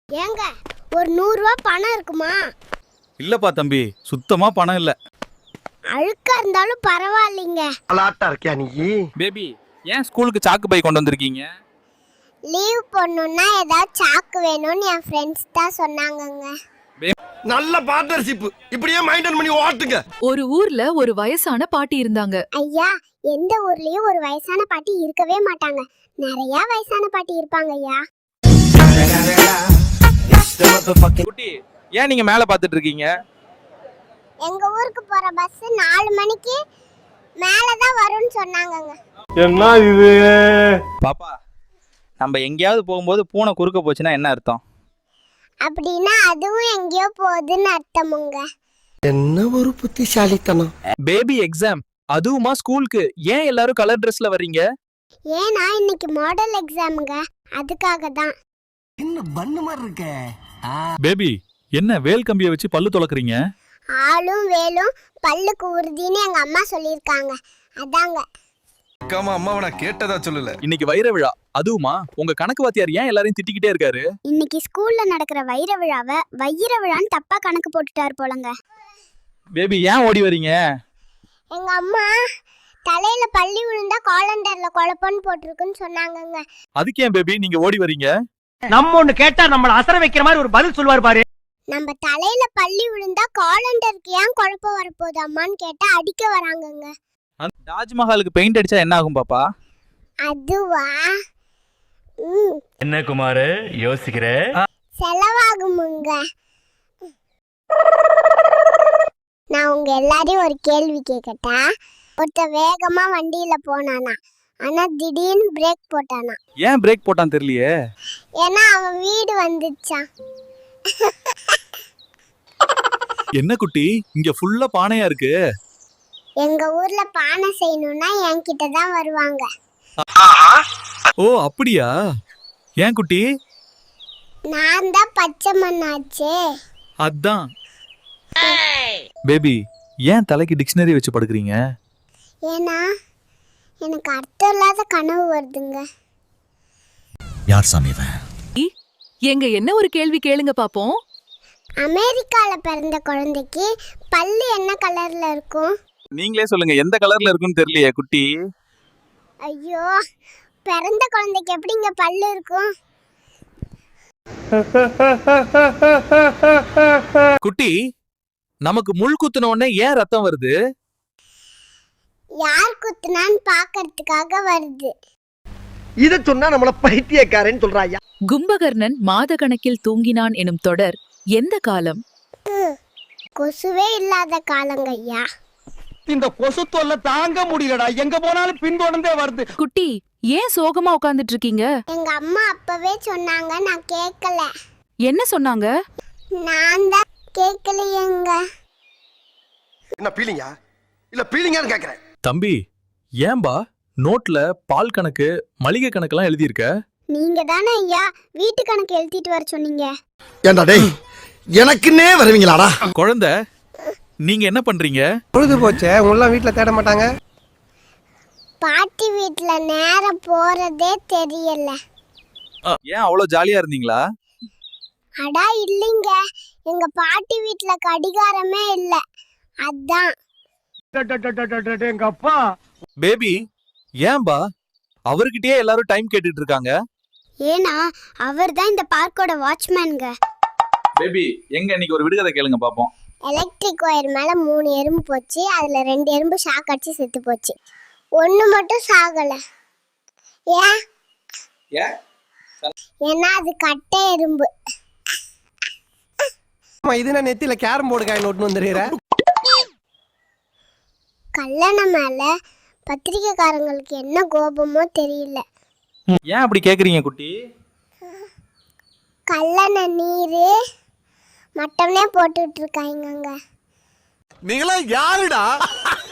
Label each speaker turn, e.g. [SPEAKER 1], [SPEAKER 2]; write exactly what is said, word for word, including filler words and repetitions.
[SPEAKER 1] ஏங்க ஒரு நூறு ரூபாய் பணம் இருக்குமா?
[SPEAKER 2] இல்லப்பா தம்பி, சுத்தமா பணம் இல்ல.
[SPEAKER 1] அழுக்கா இருந்தாலும் பரவாயில்லைங்க.
[SPEAKER 3] அலாட்டா இருக்கியா நீ?
[SPEAKER 2] பேபி, ஏன் ஸ்கூலுக்கு சாக்கு பை கொண்டு வந்திருக்கீங்க?
[SPEAKER 1] லீவ் போடணும்னா ஏதாவது சாக்கு வேணும்னு என் ஃப்ரெண்ட்ஸ் தான் சொன்னாங்கங்க.
[SPEAKER 3] நல்ல பார்ட்னர்ஷிப். இப்படியே மெயின்டைன் பண்ணி ஓட்டுங்க.
[SPEAKER 4] ஒரு ஊர்ல ஒரு வயசான பாட்டி இருந்தாங்க.
[SPEAKER 1] ஐயா, எந்த ஊர்லயும் ஒரு வயசான பாட்டி இருக்கவே மாட்டாங்க. நிறைய வயசான பாட்டி இருப்பாங்க ஐயா.
[SPEAKER 2] குட்டி, ஏன் நீங்க மேல பாத்துட்டு இருக்கீங்க?
[SPEAKER 1] எங்க ஊருக்கு போற பஸ் நாலு மணிக்கு மேலதான் வரும்னு சொன்னாங்கங்க.
[SPEAKER 3] என்ன இது?
[SPEAKER 2] பாப்பா, நம்ம எங்கேயாவது போகும்போது பூனை குறுக்க போச்சுன்னா என்ன அர்த்தம்?
[SPEAKER 1] அப்படின்னா அதுவும் எங்கேயோ போகுதுன்னு அர்த்தமுங்க.
[SPEAKER 3] என்ன ஒரு புத்திசாலித்தனம்.
[SPEAKER 2] பேபி எக்ஸாம், அதுவுமா ஸ்கூலுக்கு? ஏன் எல்லாரும் கலர் ட்ரெஸ்ல வர்றீங்க?
[SPEAKER 1] ஏன்னா இன்னைக்கு மாடல் எக்ஸாமுங்க, அதுக்காக தான்.
[SPEAKER 3] என்ன பண்ணு மாதிரி இருக்க?
[SPEAKER 2] பேபி, என்ன வேல் கம்பியை வச்சு பல்லு துலக்குறீங்க?
[SPEAKER 1] ஆளும் வேலும் பல்லுக்கு உறுதின்னு எங்க அம்மா சொல்லியிருக்காங்க, அதாங்க.
[SPEAKER 5] அக்காமா அம்மாவை நான் கேட்டதா சொல்லல.
[SPEAKER 2] இன்னைக்கு வைர விழா, அதுவுமா? உங்க கணக்கு வாத்தியார் ஏன் எல்லாரையும் திட்டிக்கிட்டே இருக்காரு?
[SPEAKER 1] இன்னைக்கு ஸ்கூல்ல நடக்கிற வைர விழாவை வைர விழான்னு தப்பா கணக்கு போட்டுட்டாரு போலங்க.
[SPEAKER 2] பேபி, ஏன் ஓடி வரீங்க?
[SPEAKER 1] எங்க அம்மா தலையில பள்ளி விழுந்தா காலண்டர்ல குழப்பம்னு போட்டிருக்குன்னு சொன்னாங்கங்க.
[SPEAKER 2] அதுக்கு ஏன் பேபி நீங்க ஓடி வரீங்க?
[SPEAKER 3] நம்ம ஒண்ணு கேட்டா நம்மள அசர வைக்கிற மாதிரி ஒரு பதில் சொல்வார் பாரு.
[SPEAKER 1] நம்ம தலையில பள்ளி விழுந்தா காலண்டருக்கு ஏன் குழப்பம் வரப்போகுது அம்மான்னு கேட்டா அடிக்க வராங்கங்க.
[SPEAKER 2] தாஜ்மஹாலுக்கு பெயிண்ட் அடிச்சா என்ன ஆகும் பாப்பா?
[SPEAKER 1] அதுவா? ம்,
[SPEAKER 6] என்ன குமாரு யோசிக்கிற?
[SPEAKER 1] செலவாகுமுங்க. நான் உங்க எல்லாரையும் ஒரு கேள்வி கேட்கட்டா? ஒருத்த வேகமா வண்டியில போனானா, ஆனா திடீர்னு பிரேக் போட்டானா.
[SPEAKER 2] ஏன் பிரேக் போட்டான் தெரியலையே.
[SPEAKER 1] ஏன்னா அவன் வீடு வந்துச்சான்.
[SPEAKER 2] என்ன குட்டி, இங்க ஃபுல்லா பானையா இருக்கு?
[SPEAKER 1] எங்க ஊர்ல பானை செய்யணும்னா என்கிட்ட தான் வருவாங்க.
[SPEAKER 2] ஓ அப்படியா? ஏன் குட்டி?
[SPEAKER 1] நான் தான் பச்சை மண்ணாச்சே.
[SPEAKER 2] அதான். பேபி, ஏன் தலைக்கு டிக்ஷனரி வச்சு படுக்கிறீங்க?
[SPEAKER 1] ஏன்னா எனக்கு அர்த்தம் இல்லாத கனவு வருதுங்க.
[SPEAKER 6] யார் சாமி இவன்?
[SPEAKER 4] எங்க என்ன ஒரு கேள்வி கேளுங்க பாப்போம்.
[SPEAKER 1] அமெரிக்கால பிறந்த குழந்தைக்கு பல்லு என்ன கலர்ல இருக்கும்?
[SPEAKER 2] நீங்களே சொல்லுங்க, எந்த கலர்ல இருக்குன்னு தெரியலையே குட்டி.
[SPEAKER 1] ஐயோ, பிறந்த குழந்தைக்கு எப்படிங்க பல்லு இருக்கும்?
[SPEAKER 2] குட்டி, நமக்கு முள் குத்துன உடனே ஏன் ரத்தம் வருது?
[SPEAKER 1] யார் குத்துனான்னு பாக்கிறதுக்காக வருது.
[SPEAKER 3] இத சொன்னா நம்மள பைத்தியக்காரன்னு சொல்றாயா?
[SPEAKER 4] கும்பகர்ணன் மாத கணக்கில் தூங்கினான் எனும் தொடர் எந்த காலம்?
[SPEAKER 1] கொசுவே இல்லாத காலங்க ஐயா.
[SPEAKER 3] இந்த கொசு தொல்லை தாங்க முடியலடா. எங்க போனாலும் பின்தொடர்ந்தே வருது.
[SPEAKER 4] குட்டி, ஏன் சோகமா உட்கார்ந்துட்டு இருக்கீங்க?
[SPEAKER 1] எங்க அம்மா அப்பவே சொன்னாங்க, நான் கேட்கல.
[SPEAKER 4] என்ன சொன்னாங்க?
[SPEAKER 1] நான் தான் கேட்கலையேங்க.
[SPEAKER 3] என்ன பீலிங்கா? இல்ல பீலிங்கான்னு கேக்குறேன்.
[SPEAKER 2] தம்பி, ஏன்பா நோட்ல பால் கணக்கு மளிகை கணக்கெல்லாம் எழுதியிருக்க?
[SPEAKER 1] நீங்க தானே ஐயா வீட்டு கணக்கு எழுதிட்டு வர சொன்னீங்க.
[SPEAKER 3] ஏண்டா டேய், எனக்குன்னே வருவீங்களாடா?
[SPEAKER 2] குழந்தை, நீங்க என்ன பண்றீங்க?
[SPEAKER 3] பொழுது போச்சே, உங்களெல்லாம் வீட்டுல தேட மாட்டாங்க.
[SPEAKER 1] பாட்டி வீட்டுல நேரம் போறதே தெரியல.
[SPEAKER 2] ஏன் அவ்வளவு ஜாலியா இருந்தீங்களா?
[SPEAKER 1] அடா இல்லைங்க, எங்க பாட்டி வீட்டுல கடிகாரமே இல்ல, அதான்.
[SPEAKER 3] எங்க அப்பா
[SPEAKER 2] பேபி, ஏன்பா அவர்கிட்டயே எல்லாரும் டைம் கேட்டுட்டு இருக்காங்க?
[SPEAKER 1] ஏன்னா அவர் தான் இந்த பார்க்கோட வாட்ச்மேனுங்க.
[SPEAKER 2] பேபி, எங்க இன்னைக்கு ஒரு விடுகதை கேளுங்க பாப்போம்.
[SPEAKER 1] எலக்ட்ரிக் ஒயர் மேல மூணு எறும்பு போச்சு, அதுல ரெண்டு எறும்பு ஷாக் அடிச்சு செத்து போச்சு, ஒண்ணு மட்டும் சாகல. ஏன்? ஏன்னா அது கட்டை எறும்பு.
[SPEAKER 3] இது நான் நெத்தியில கேரம் போர்டு காயின் ஒட்டு வந்துடுற.
[SPEAKER 1] கல்யாணம் மேல பத்திரிக்கைக்காரங்களுக்கு என்ன கோபமோ தெரியல.
[SPEAKER 2] ஏன் அப்படி கேக்குறீங்க குட்டி?
[SPEAKER 1] கல்லண நீரு மட்டம்னே போட்டுட்டு இருக்காங்க.
[SPEAKER 3] நீங்களா யாருடா?